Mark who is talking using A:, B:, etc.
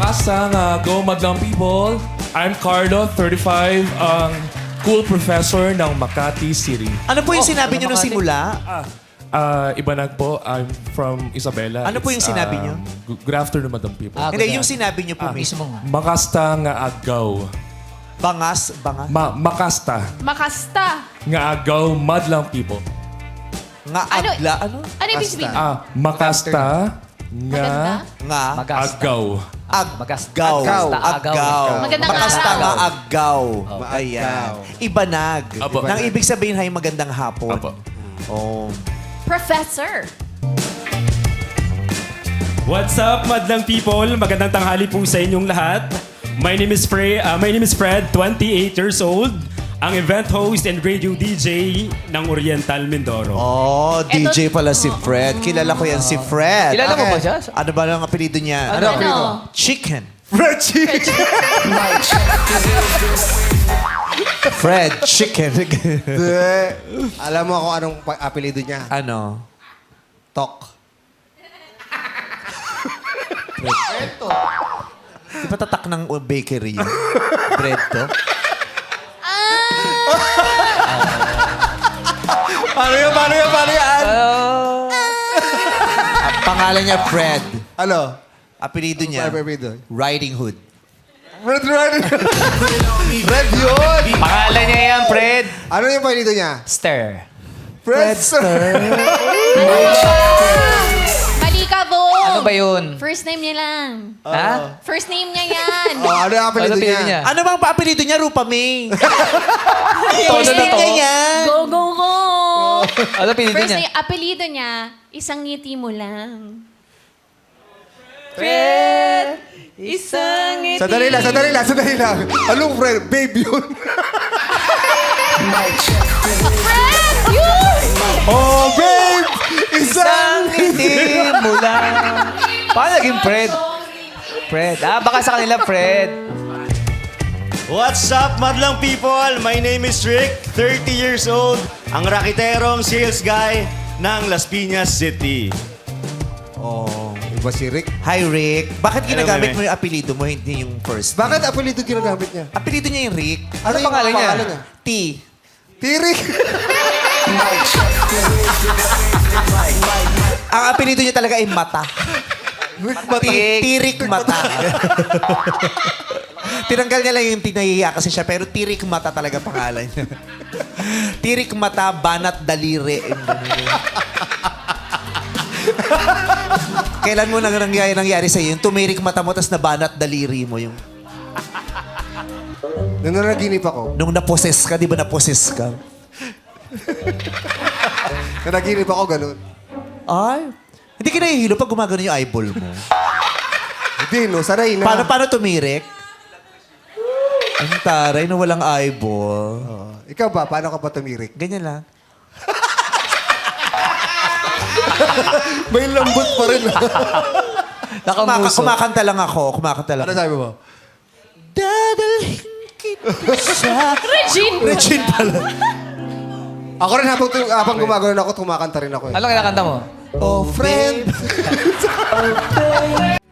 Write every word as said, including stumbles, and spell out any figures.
A: Makasang uh, Go Madlang People. I'm Carlo, thirty-five, ang cool professor ng Makati City.
B: Ano po yung sinabi niyo nung simula?
A: Ah, uh, Ibanag po, I'm from Isabela.
B: Ano po yung
A: It's,
B: sinabi
A: um,
B: niyo?
A: gu- Good afternoon, Madam People.
C: Ah,
B: Hindi,
C: good
B: yung
C: na.
B: sinabi niyo po mismo.
A: Makasta nga agaw.
B: Bangas, bangas.
A: Ma makasta
D: Makasta.
A: nga agaw Madlang People.
B: Nga
D: Ano?
B: agla, ano?
D: Ano ibig sabihin?
A: Ah, makasta nga
B: Nga
C: Magasta.
A: agaw.
C: Magasta.
B: aggaw.
C: Agaw.
B: Aggaw.
D: Magandang
B: Makasta
D: araw.
B: nga aggaw. Ayan. Ibanag.
A: Apo.
B: Nang ibig sabihin ay magandang hapon.
A: Apo.
B: Oh.
D: Professor.
E: What's up, madlang people? Magandang tanghali po sa inyong lahat. My name is Fred, uh, my name is Fred, twenty-eight years old. Ang event host and radio D J ng Oriental Mindoro.
B: Oh, D J pala si Fred. Kilala ko yan si Fred.
C: Kilala mo ba siya?
B: Ano ba ang apelido niya?
D: Ano? Ano?
B: Chicken.
F: Fred Chicken.
B: Fred Chicken.
F: Alam mo kung anong pa- apelido niya?
B: ano?
F: Tok.
B: Di ba tatak ng bakery yun? Bread to?
F: Paano yan? Paano yan? Paano yan?
B: Ang pangalan niya Fred.
F: Ano?
B: Apelido niya,
F: Ano apelido?
B: Riding Hood.
F: Fred Red. Fred yun!
C: Pangalan niya yan, Fred.
F: Ano yung apelido niya?
C: Stir.
F: Fred Sir.
D: Mali ka, Bo.
C: Ano ba yun?
D: First name niya lang.
C: Ha?
D: First name niya yan.
F: Oh, ano yung apelido
C: Ano apelido
F: niya?
C: niya?
B: Ano bang paapelido niya? Rupa May.
C: Todo
B: First
C: na
B: name
C: to.
B: niya yan.
D: Go, go, go.
C: Ano apelido
D: First
C: niya?
D: name, apelido niya, isang ngiti mo lang.
C: Fred. Isang ngiti.
F: Sandali lang, sandali lang, sandali lang. Anong Fred? Babe yun.
D: Fred! Yun!
F: Oh, babe!
C: Isang
F: Isang...
C: ngiti mo lang. Paano naging Fred? Fred. Ah, baka sa kanila, Fred.
G: What's up, madlang people? My name is Rick, thirty years old, ang rakiterong sales guy ng Las Piñas City.
F: Oh, iba si Rick.
B: Hi, Rick. Bakit ginagamit
G: Hello,
B: mo yung apelido mo, hindi yung first?
F: Bakit apelido ginagamit niya?
B: Apelido niya yung Rick.
C: Ano
F: yung
C: pangalan niya?
F: pangalan niya?
B: T.
F: Tirik.
B: Ang apelido niya talaga ay Mata. Ti- Tirik Mata. Tinanggal niya lang yung tinahiya kasi siya, pero Tirik Mata talaga pangalan niya. Tirik Mata, Banat Daliri. Kailan mo nang nangyari, nangyari sa'yo? Yung tumirik mata mo, tapos nabanat daliri mo. Yung...
F: Nung nanaginip ako,
B: Nung naposes ka, di ba naposes ka?
F: nanaginip ako ganun.
B: Ay, hindi ka nahihilo pag gumagano yung eyeball mo.
F: Hindi, no? Sanay na.
B: Paano, paano tumirik? Ang taray na walang eyeball.
F: Oh, ikaw ba? Paano ka ba tumirik?
B: Ganyan lang.
F: May lambot pa rin.
B: Kumaka,
C: Nakamuso.
B: kumakanta lang ako. Kumakanta lang.
F: Ano sabi mo?
B: Dadalhin kita sa...
D: Regine.
B: Regine pala.
F: Ako rin habang, habang gumagano ako, kumakanta rin ako eh.
C: Ano kinakanta mo?
F: Oh, friend.